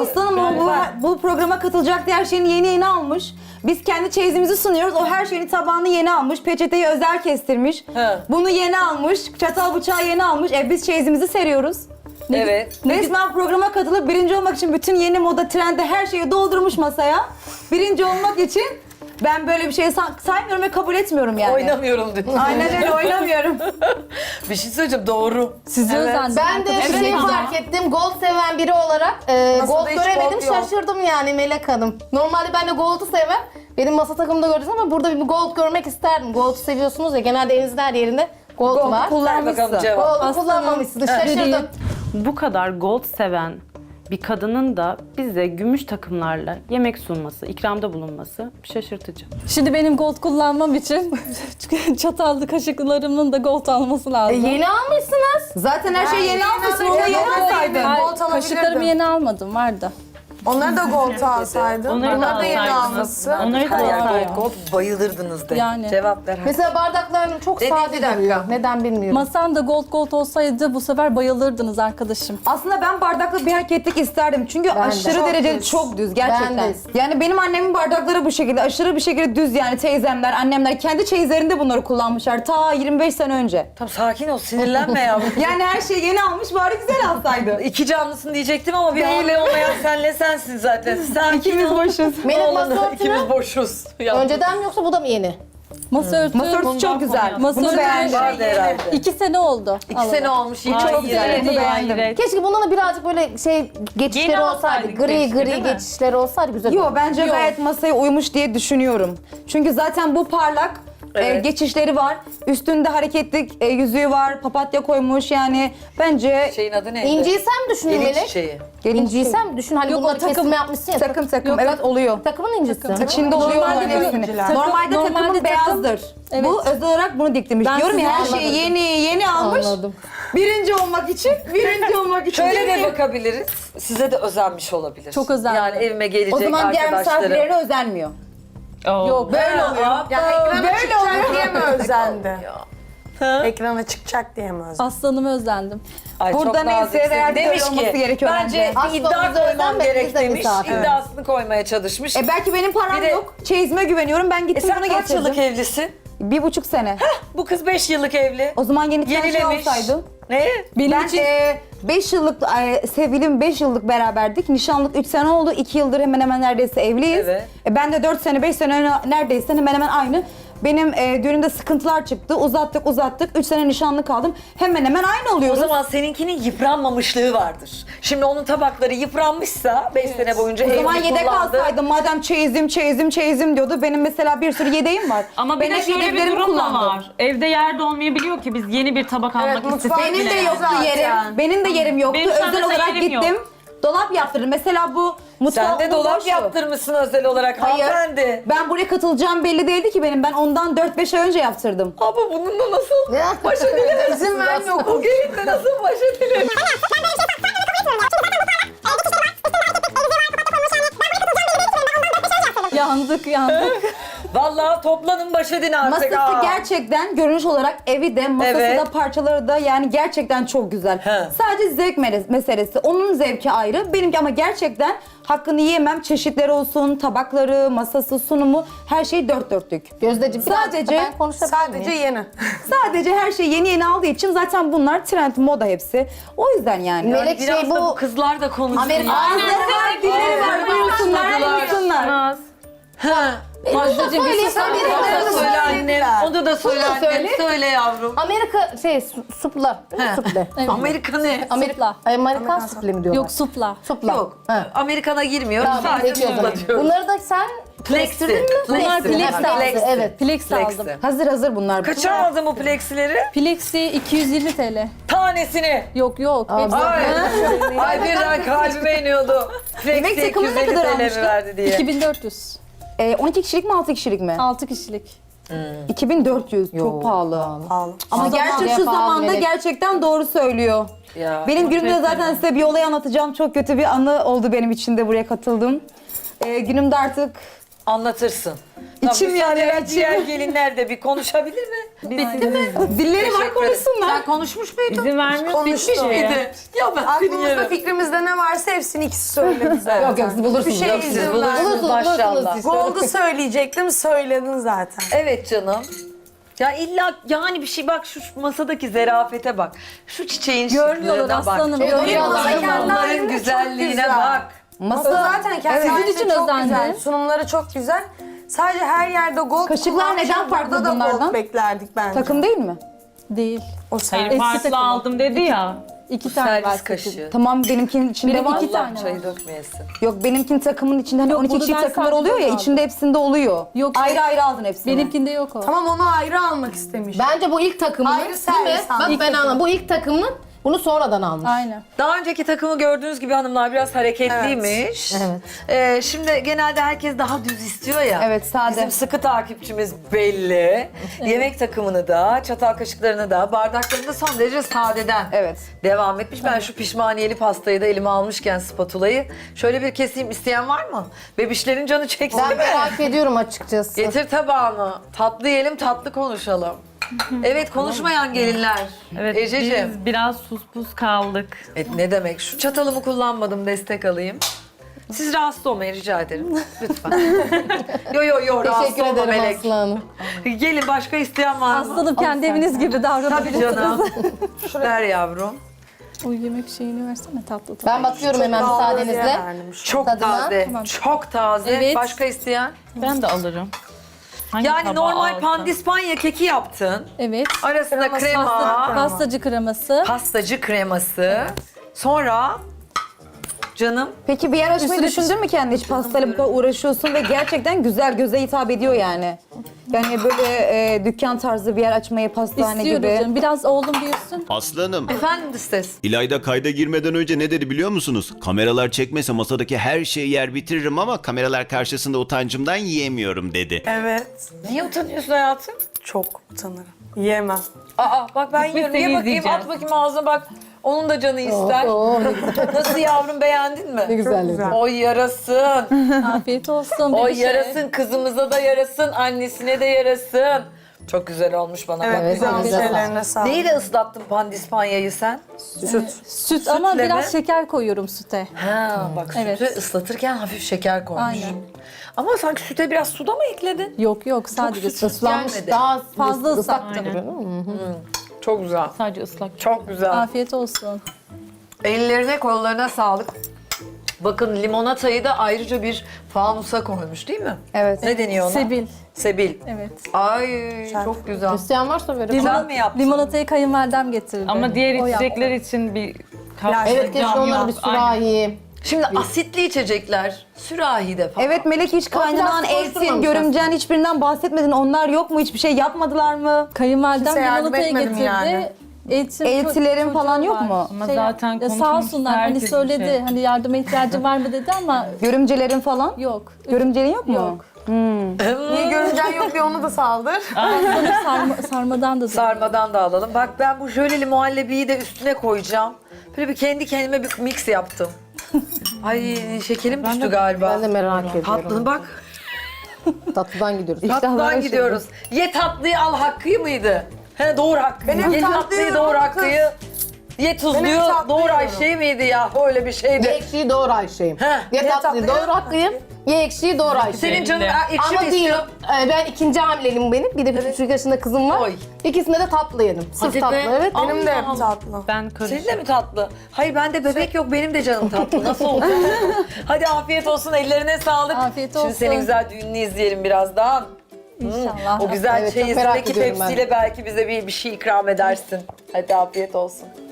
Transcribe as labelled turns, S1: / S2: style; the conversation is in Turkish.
S1: Aslanım o bu programa katılacak diye her şeyini yeni almış. Biz kendi çeyizimizi sunuyoruz. O her şeyini tabağını yeni almış. Peçeteyi özel kestirmiş.
S2: He.
S1: Bunu yeni almış. Çatal bıçağı yeni almış. Biz çeyizimizi seriyoruz.
S2: Evet.
S1: Resmen programa katılıp birinci olmak için bütün yeni moda, trende her şeyi doldurmuş masaya. Birinci olmak için ben böyle bir şey saymıyorum ve kabul etmiyorum yani.
S2: Oynamıyorum diyor.
S1: Aynen öyle oynamıyorum.
S2: Bir şey söyleyeceğim, doğru.
S3: Sizi özendim.
S4: Ben de bir şey fark ettim. Gold seven biri olarak gold
S5: hiç
S4: göremedim.
S5: gold yok?
S4: Şaşırdım yani Melek Hanım. Normalde ben de gold'u sevmem. Benim masa takımında gördünüz ama burada bir gold görmek isterdim. Gold'u seviyorsunuz ya. Genelde elinizin her yerinde gold var.
S2: Ver bakalım
S1: Kullanmışsın.
S2: cevap.
S4: Gold'u kullanmamışsınız. Şaşırdım.
S6: Bu kadar gold seven bir kadının da bize gümüş takımlarla yemek sunması, ikramda bulunması şaşırtıcı.
S3: Şimdi benim gold kullanmam için çatallı kaşıklarımın da gold alması lazım.
S4: Yeni almışsınız.
S1: Zaten her şeyi yeni almışsın. Onu yeni alsaydın.
S3: Hayır,
S5: gold alabilirdim.
S3: kaşıklarımı yeni almadım, vardı.
S5: Onları da gold alsaydın.
S6: Onları da
S5: Bunları da yeni
S6: alsaydınız.
S5: almışsın.
S6: Onları da
S2: Her yer
S6: alsaydınız.
S2: gold, gold bayılırdınız de.
S3: Yani.
S2: Cevap ver.
S4: Mesela bardaklarım çok
S2: Dedik,
S4: sade
S2: bir dakika.
S4: duruyor. Neden bilmiyorum.
S3: Masam da gold olsaydı bu sefer bayılırdınız arkadaşım.
S1: Aslında ben bardaklı bir hareketlik isterdim. Çünkü
S4: Ben de.
S1: aşırı
S4: Çok
S1: derecede
S4: düz.
S1: çok düz gerçekten.
S4: Ben de.
S1: Yani benim annemin bardakları bu şekilde. Aşırı bir şekilde düz yani teyzemler, annemler kendi çeyizlerinde bunları kullanmışlar. Ta 25 sene önce.
S2: Tamam, sakin ol, sinirlenme yavrum.
S1: Yani her şeyi yeni almış bari güzel alsaydı.
S2: İki canlısın diyecektim ama bir hamle olmayan senle sensin zaten. Sakin
S1: İkimiz
S2: ol.
S1: boşuz.
S4: Melek
S2: Oğlanı,
S4: masa
S2: ikimiz
S4: örtünü
S2: boşuz. Ya.
S4: önceden mi yoksa bu da mı yeni?
S3: Masa örtü,
S1: Masa örtüsü çok güzel.
S3: Masa
S1: Bunu
S3: örtü-
S1: beğendim.
S2: Vardı herhalde.
S3: 2 sene oldu.
S2: 2 sene olmuş, yeni çok güzel.
S1: güzel. Bunu beğendim.
S6: Hayret.
S4: Keşke bundan da birazcık böyle geçişleri
S6: Yeni
S4: olsaydı.
S6: alsaydık
S4: Gri
S6: keşke,
S4: gri
S6: değil mi?
S4: geçişleri olsaydı güzel
S1: Yo
S4: olurdu.
S1: bence gayet masaya uymuş diye düşünüyorum. Çünkü zaten bu parlak
S2: Evet.
S1: geçişleri var. Üstünde hareketlik yüzüğü var. Papatya koymuş yani bence
S2: Şeyin adı neydi?
S4: İnciyi sen düşün
S2: Gelin
S4: Melek.
S2: çiçeği.
S4: İnciyi sen düşün. Hani
S3: Yok,
S4: bunları
S3: o takım-
S4: kesme yapmışsın ya.
S1: takım
S3: Yok,
S1: evet oluyor.
S4: Takımın incisi.
S1: İçinde oluyor
S3: Normalde
S1: onların
S3: bu-
S1: hepsini.
S3: takım-
S1: Normalde
S3: normalde
S1: takımın
S3: takım-
S1: beyazdır.
S3: Evet.
S1: Bu özel olarak bunu diktirmiş.
S3: Ben
S1: Diyorum ya her
S3: size
S1: şeyi yeni almış.
S4: Anladım.
S1: Birinci olmak için, birinci olmak için.
S2: Şöyle de bakabiliriz. Size de özenmiş olabilir.
S3: Çok özendim.
S2: Yani evime gelecek
S1: O zaman diğer
S2: arkadaşlarım.
S1: misafirlerine özenmiyor.
S3: Yok.
S1: Böyle oluyor.
S5: Ya ekrana
S1: Böyle
S5: çıkacak
S1: oluyor.
S5: diye mi özendi? Ekrana çıkacak diye mi özendi?
S3: Aslanımı özlendim.
S2: Ay,
S1: Burada
S2: çok
S1: neyse
S2: naziksin.
S1: değerli
S2: Demiş
S1: böyle olması
S2: ki
S1: gerekiyor
S2: bence
S1: bence.
S2: bir iddia
S4: Aslında
S2: koymam
S4: bizden
S2: gerek
S4: biz de
S2: demiş.
S4: misafir.
S2: İddiasını koymaya çalışmış.
S1: Belki benim param
S2: Bir de-
S1: yok. Çeyizime güveniyorum. Ben gittim
S2: sen
S1: bunu
S2: kaç yıllık
S1: getirdim.
S2: evlisin?
S1: 1,5 sene.
S2: Bu kız 5 yıllık evli.
S1: O zaman yeni şey
S2: Yenilemiş.
S1: olsaydı.
S2: Ne?
S3: Benim
S1: Ben
S3: için
S1: 5 yıllık sevgilim 5 yıllık beraberdik. Nişanlık 3 sene oldu. 2 yıldır hemen hemen neredeyse evliyiz.
S2: Evet.
S1: Ben de 4 sene 5 sene neredeyse hemen hemen aynı. Benim düğünümde sıkıntılar çıktı. Uzattık. 3 sene nişanlı kaldım. Hemen hemen aynı
S2: O
S1: oluyoruz.
S2: zaman seninkinin yıpranmamışlığı vardır. Şimdi onun tabakları yıpranmışsa 5 sene boyunca
S1: O
S2: evli
S1: zaman yedek
S2: kullandı.
S1: alsaydım madem çeyizim diyordu. Benim mesela bir sürü yedeğim var.
S6: Ama bir
S1: Ben
S6: de
S1: hep
S6: şöyle bir
S1: yedeklerimi
S6: durum da
S1: kullandım.
S6: var. Evde yer de olmayabiliyor ki biz yeni bir tabak almak istesek
S1: Benim
S6: bile.
S1: de yoktu
S5: zaten.
S1: yerim. Benim de yerim yoktu.
S6: Benim şu anda
S1: Özel olarak
S6: yerim
S1: gittim.
S6: yok.
S1: Dolap yaptırdım. Mesela bu mutfağım
S2: Sen de dolap
S1: boştu.
S2: yaptırmışsın özel olarak
S1: Hayır.
S2: hanımefendi.
S1: Ben buraya katılacağım belli değildi ki benim. Ben ondan 4-5 ay önce yaptırdım.
S2: Ama bununla nasıl baş edilir?
S5: İzin vermiyor.
S2: O gelinle nasıl baş edilir?
S3: yandık.
S2: Vallahi toplanın baş edin artık.
S1: Masası gerçekten görünüş olarak evi de masası
S2: Evet.
S1: da parçaları da yani gerçekten çok güzel.
S2: He.
S1: Sadece zevk meselesi. Onun zevki ayrı. Benimki ama gerçekten hakkını yiyemem. Çeşitleri olsun, tabakları, masası, sunumu her şey dört dörtlük.
S4: Gözdeciğim
S1: Sadece-
S4: ben konuşabilir
S5: Sadece
S4: miyim?
S5: yeni.
S1: Sadece her şey yeni aldığı için zaten bunlar trend, moda hepsi. O yüzden yani.
S4: Melek
S2: Biraz
S4: şey
S2: da bu
S4: bu
S2: kızlar da konuşsun
S4: Amerika-
S2: ya.
S1: Ağızları var, dilleri var. Buyursunlar, buyursunlar.
S6: Naz.
S3: Majdacığım bir sus.
S4: söyleyeyim.
S2: Onu da söyle annem. Onu da söyle
S4: Bunu da
S2: annem.
S4: söyle.
S2: Söyle yavrum.
S4: Amerika supla. Suple.
S3: Evet.
S2: Amerika ne?
S3: Supla.
S4: Amerikan suple mi diyorlar?
S3: Yok supla.
S4: supla.
S2: Yok.
S4: Ha.
S2: Amerikan'a girmiyoruz.
S4: Tamam,
S2: Sadece
S4: peki o zaman.
S2: supla diyoruz.
S4: Bunları da sen plextirdin mi?
S3: Bunlar
S4: Plexti.
S3: Plex
S4: Ha,
S3: aldı.
S4: Plexti, Evet.
S3: Plex aldım.
S2: Plexi.
S1: Hazır bunlar.
S2: Kaça aldın bu plexileri?
S3: Plexi 220 TL.
S2: Tanesini.
S3: Yok. Hepsi-
S2: Ay birden kalbime iniyordu.
S1: Yemek
S2: Plexi
S1: takımı ne
S2: 250
S1: kadar
S2: TL mi
S1: almıştın?
S2: verdi diye.
S3: 2400.
S1: 12 kişilik mi 6 kişilik mi?
S3: 6 kişilik.
S1: 2400 çok pahalı.
S5: Pahalı.
S1: Ama
S4: Şu
S1: gerçi
S4: zamanda
S1: şu
S4: pahalı
S1: zamanda
S4: Melek.
S1: gerçekten doğru söylüyor.
S2: Ya.
S1: Benim günümde zaten size bir olay anlatacağım. Çok kötü bir anı oldu benim için de buraya katıldım. Günümde artık
S2: Anlatırsın.
S1: İçim yani, içim.
S2: Diğer gelinler de bir konuşabilir mi? Bitti mi?
S1: Dilleri var, konuşsunlar.
S2: Sen konuşmuş muydun?
S6: İzin vermiyorsun
S5: Konuştu.
S6: hiçbir şeye.
S2: Ya ben seni
S5: Aklımızda
S2: yerim.
S5: fikrimizde ne varsa hepsini ikisi söyledi zaten.
S4: Yok yok siz bulursunuz.
S5: Bir şey
S4: yok,
S5: izin
S4: siz
S5: vermem.
S4: bulursunuz
S2: Maşallah.
S4: siz.
S5: Gold'u söyleyecektim, söyledin zaten.
S2: Evet canım. Ya illa yani bir şey bak şu masadaki zerafete bak. Şu çiçeğin
S3: Görmüyorlar
S2: şıklığına bak.
S3: aslanım.
S4: Evet,
S3: Görmüyorlar.
S5: masa kendi
S2: Onların
S5: halinde çok
S2: güzelliğine
S5: güzel.
S2: bak.
S5: Masa zaten kendi
S3: Sizin
S5: halinde
S3: için
S5: çok
S3: özendi.
S5: güzel. Sunumları çok güzel. Sadece her yerde gold
S1: Kaşıklar
S5: kullanmışım.
S1: neden farklı
S5: Burada da
S1: bunlardan?
S5: gold beklerdik bence.
S1: Takım değil mi?
S3: Değil.
S5: O
S6: Hayır
S5: sen.
S6: farklı
S3: takımı.
S6: aldım dedi ya.
S3: 2 tane var.
S2: Servis kaşığı.
S1: Tamam, benimkinin içinde
S3: Benim
S1: var.
S3: iki
S2: Allah
S3: tane
S2: çayı
S3: var.
S2: dökmeyesin.
S1: Yok, benimkinin takımın içinde hani
S3: Yok,
S1: 12
S3: bunu
S1: kişi
S3: ben
S1: takımlar
S3: sadece
S1: oluyor ya,
S3: aldım.
S1: içinde hepsinde oluyor.
S3: Yok.
S1: Ayrı ayrı aldın hepsini.
S3: Benimkinde yok o.
S5: Tamam, onu ayrı almak istemiş.
S4: Bence bu ilk takımın
S5: Ayrı
S4: değil mi?
S5: servis
S4: Bak
S5: almış.
S4: ben anladım. Bu ilk takımın bunu sonradan almış.
S3: Aynen.
S2: Daha önceki takımı gördüğünüz gibi hanımlar biraz hareketliymiş. Şimdi genelde herkes daha düz istiyor ya.
S1: Evet, sade.
S2: Bizim sıkı takipçimiz belli. Yemek takımını da, çatal kaşıklarını da, bardaklarını da son derece sadeden
S1: Evet.
S2: devam etmiş. Ben şu pişmaniyeli pastayı da elime almışken spatulayı şöyle bir keseyim, isteyen var mı? Bebişlerin canı çekti
S4: Ben
S2: mi?
S4: merak ediyorum açıkçası.
S2: Getir tabağını. Tatlı yiyelim, tatlı konuşalım. Evet, konuşmayan gelinler.
S6: Evet
S2: Ececiğim.
S6: biz biraz sus pus kaldık.
S2: Ne demek? Şu çatalımı kullanmadım, destek alayım. Siz rahatsız olmayın rica ederim. Lütfen. Yo rahatsız
S4: Teşekkür
S2: olma
S4: ederim
S2: Melek.
S4: Aslı Hanım.
S2: Gelin, başka isteyen var mı?
S3: Aslanım kendi eviniz gibi
S2: Tabii
S3: davranabilirsiniz.
S2: canım. Ver yavrum.
S3: O yemek şeyini versene tatlı.
S4: Ben bakıyorum hemen müsaadenizle.
S2: Çok
S4: Tadına.
S2: taze.
S3: Tamam.
S2: Çok taze.
S3: Evet.
S2: Başka isteyen?
S6: Ben de alırım. Hangi
S2: Yani
S6: tabağı
S2: normal
S6: alsam?
S2: pandispanya keki yaptın.
S3: Evet.
S2: Arasına krema,
S3: Pastacı kreması.
S2: pastacı kreması. Sonra canım
S1: Peki bir yer açmayı
S3: Üstüne
S1: düşündün mü kendi, hiç pastayla bu kadar uğraşıyorsun ve gerçekten güzel, göze hitap ediyor yani. Yani böyle dükkan tarzı bir yer açmayı, pastane
S3: İstiyoruz
S1: gibi.
S3: canım. Biraz oğlum büyüsün.
S7: Aslanım,
S2: efendim ses.
S7: İlayda kayda girmeden önce ne dedi biliyor musunuz? Kameralar çekmese masadaki her şeyi yer bitiririm ama kameralar karşısında utancımdan yiyemiyorum dedi.
S5: Evet.
S2: Niye utanıyorsun hayatım?
S5: Çok utanırım. Yiyemem.
S2: Aa bak ben
S6: Biz
S2: yiyorum.
S6: seni
S2: Ye bakayım,
S6: izleyeceğiz.
S2: at bakayım ağzına bak. Onun da canı ister.
S4: Oo, ne güzel.
S2: Nasıl yavrum, beğendin mi?
S4: Ne güzel.
S5: güzel.
S2: Oy yarasın.
S3: Afiyet olsun.
S2: Oy
S3: bebişe.
S2: yarasın. Kızımıza da yarasın. Annesine de yarasın. Çok güzel olmuş bana.
S5: Evet,
S2: bak.
S5: güzel olmuş.
S4: güzel.
S5: Ellerine sağlık.
S2: Neyle ıslattın pandispanyayı sen?
S3: Süt ama
S2: Sütle
S3: biraz
S2: mi?
S3: şeker koyuyorum süte.
S2: Ha bak,
S3: Evet.
S2: sütü ıslatırken hafif şeker koymuş.
S3: Aynen.
S2: Ama sanki süte biraz suda mı ekledin?
S3: Yok sadece süt.
S4: Islanmış
S2: gelmedi.
S4: daha
S3: Fazla
S4: ıslak
S3: ıslattım.
S4: duruyor, değil mi?
S2: Çok güzel.
S6: Sadece ıslak.
S2: Çok güzel.
S3: Afiyet olsun.
S2: Ellerine kollarına sağlık. Bakın limonatayı da ayrıca bir fanusa koymuş değil mi?
S1: Evet.
S2: Ne deniyor ona?
S3: Sebil.
S2: Sebil.
S3: Evet.
S2: Ay çok güzel.
S4: İsteyen varsa verin.
S2: Güzel mi yaptın?
S3: Limonatayı kayınvalidem getirdi.
S6: Ama diğer
S3: O yaptı.
S6: içecekler için bir
S4: Evet keşke onları bir sürahi.
S2: Şimdi asitli içecekler sürahide falan.
S1: Evet Melek, hiç kaynanan,
S4: biraz
S1: eltin,
S4: koşturmamış
S1: görümcen hiçbirinden bahsetmedin. Onlar yok mu? Hiçbir şey yapmadılar mı?
S3: Kayınvalidem
S5: Kimse yardım
S3: limonatayı
S5: etmedim
S3: getirdi.
S5: yani.
S3: Eltilerin
S1: Eltilerin falan yok mu?
S6: Ama zaten
S3: sağ
S6: konuşmuşuz,
S3: olsunlar hani
S6: herkes bir
S3: söyledi
S6: şey.
S3: hani yardıma ihtiyacı var mı dedi ama
S1: Görümcelerin falan?
S3: yok.
S1: Görümcenin yok mu?
S3: Yok.
S5: Niye görüncen yok diye onu da saldır.
S3: Sarmadan da
S2: Sarmadan da alalım. Bak ben bu jöleli muhallebiyi de üstüne koyacağım. Böyle bir kendi kendime bir mix yaptım. Ay şekerim düştü galiba.
S4: Ben de merak ediyorum.
S2: Tatlını bak.
S4: Tatlıdan gidiyoruz.
S2: Tatlıdan gidiyoruz. Ye tatlıyı al Hakkı'yı mıydı? He doğru Hakkı.
S5: Benim
S2: Ye
S5: tatlıyı
S2: tatlıyı doğru
S5: kız.
S2: Hakkı'yı. Ye tuzluyu
S5: Benim tatlıyı
S2: doğru
S5: yiyorum.
S2: Ayşe'yi miydi ya? Öyle bir
S4: Ye
S2: şeydi.
S4: ekşiyi doğru Ayşe'yim.
S2: He.
S4: Ye tatlıyı doğru Hakkı'yım. Ye ekşiyi doğru Ayşe'yim.
S2: Senin canın
S6: Belli.
S2: ekşi mi
S4: Ama değil.
S2: istiyor?
S4: Ben ikinci hamileliğim benim. Bir de 1,5 yaşında kızım var.
S2: Oy.
S4: İkisinde de tatlı yedim. Sırf
S2: Hadi be.
S4: tatlı evet.
S5: Benim de hep
S2: Allah.
S5: tatlı.
S6: Ben karıştım.
S2: Senin de mi tatlı? Hayır bende bebek yok, benim de canım tatlı. Nasıl oldu? Hadi afiyet olsun, ellerine sağlık.
S3: Afiyet
S2: Şimdi
S3: olsun.
S2: senin güzel düğününü izleyelim birazdan.
S3: İnşallah.
S2: O güzel
S4: Evet, çok merak
S2: çeyizindeki
S4: ediyorum ben.
S2: tepsiyle belki bize bir şey ikram edersin. Hadi afiyet olsun.